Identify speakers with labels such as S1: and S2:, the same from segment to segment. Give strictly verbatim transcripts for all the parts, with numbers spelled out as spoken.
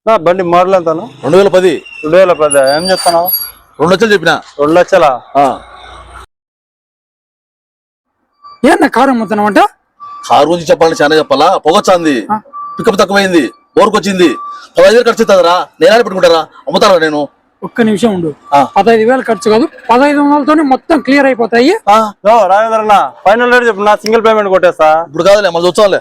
S1: బండి మోడల్ ఎంత
S2: రెండు వేల పది
S1: రెండు వేల పది ఏం చెప్తాను?
S2: రెండు లక్షలు చెప్పిన.
S1: రెండు లక్షలా?
S3: ఏందా కారు అమ్ముతున్నావు అంట?
S2: కారు గురించి చెప్పాలంటే చాలా చెప్పాలా. పొగొచ్చాంది, పికప్ తక్కువైంది, బోర్కు వచ్చింది. పదహైదు వేలు ఖర్చు అవుతుందిరా. నేనే పెట్టుకుంటారా? అమ్ముతారా నేను?
S3: ఒక్క నిమిషం ఉండు. పదహైదు వేలు ఖర్చు కాదు, పదహైదు వందలతోనే మొత్తం క్లియర్ అయిపోతాయి.
S1: రాజేంద్ర ఫైనల్ రేట్ చెప్పు, నా సింగిల్ పేమెంట్ కొట్టేస్తా.
S2: ఇప్పుడు కాదులే, మళ్ళీ చూసాలే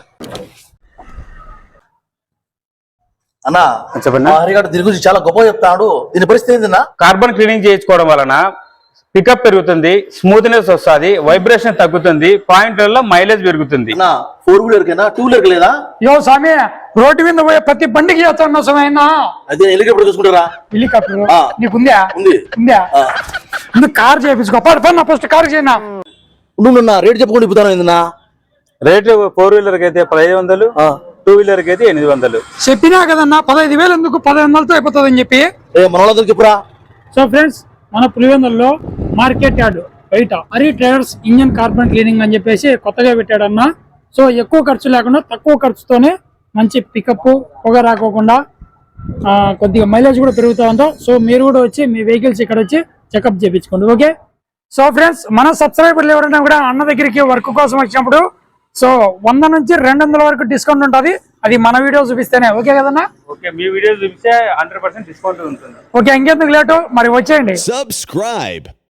S2: అన్నా.
S1: చెప్పండి.
S2: హరిగాడు దీని గురించి చాలా గొప్ప చెప్తాడు. దీని పరిస్థితి ఏంటన్నా?
S4: కార్బన్ క్లీనింగ్ చేయించుకోవడం వలన పికప్ పెరుగుతుంది, స్మూత్నెస్ వస్తుంది, వైబ్రేషన్ తగ్గుతుంది, పాయింట్లలో మైలేజ్ పెరుగుతుంది.
S2: ఫోర్ వీలర్ కేనా, టూ వీలర్ లేదా?
S3: యో స్వామి, రోడ్డు మీద పోయే ప్రతి బండికి చేస్తాను సమయనా.
S2: అదే హెలికాప్టర్ చూసుకుంటారా?
S3: హెలికాప్టర్
S2: ఆ.
S3: నీకుందా?
S2: ఉంది.
S3: ఉందా? నువ్వు కార్ చేయించుకో. ఫస్ట్ కార్ చేయనా.
S2: నువ్వు రేట్ చెప్పుకుంటూ ఇప్పుతాను ఏందన్నా?
S1: రేటు ఫోర్ వీలర్ కి అయితే పదిహేను వందలు, టూ వీలర్ కి అయితే ఎనిమిది వందలు.
S3: చెప్పినా కదన్నా పదహైదు వేలు ఎందుకు, పదహైదు వందలతో అయిపోతుంది అని చెప్పి.
S2: మన వాళ్ళందరికి చెప్పురా.
S3: సో ఫ్రెండ్స్, మన పులివెందుల్లో మార్కెట్ యార్డ్ బయట Hari traders engine carbon cleaning అని చెప్పేసి కొత్తగా పెట్టాడన్నా. సో ఎక్కువ ఖర్చు లేకుండా తక్కువ ఖర్చుతోనే మంచి పికప్, పొగ రాకోకుండా కొద్దిగా మైలేజ్ కూడా పెరుగుతూ ఉందో. సో మీరు కూడా వచ్చి మీ వెహికల్స్ ఇక్కడ వచ్చి చెకప్ చేయించుకోండి. ఓకే. సో ఫ్రెండ్స్, మన సబ్స్క్రైబర్లు ఎవరైనా కూడా అన్న దగ్గరికి వర్క్ కోసం వచ్చినప్పుడు సో వంద నుంచి రెండు వందల వరకు డిస్కౌంట్ ఉంటుంది. అది మన వీడియో చూపిస్తేనే. ఓకే కదన్నా?
S4: ఓకే, మీ వీడియో చూపిస్తే హండ్రెడ్ పర్సెంట్ డిస్కౌంట్ ఉంటుంది.
S3: ఓకే, ఇంకెందుకు లేటు, మరి వచ్చేయండి.
S5: Subscribe.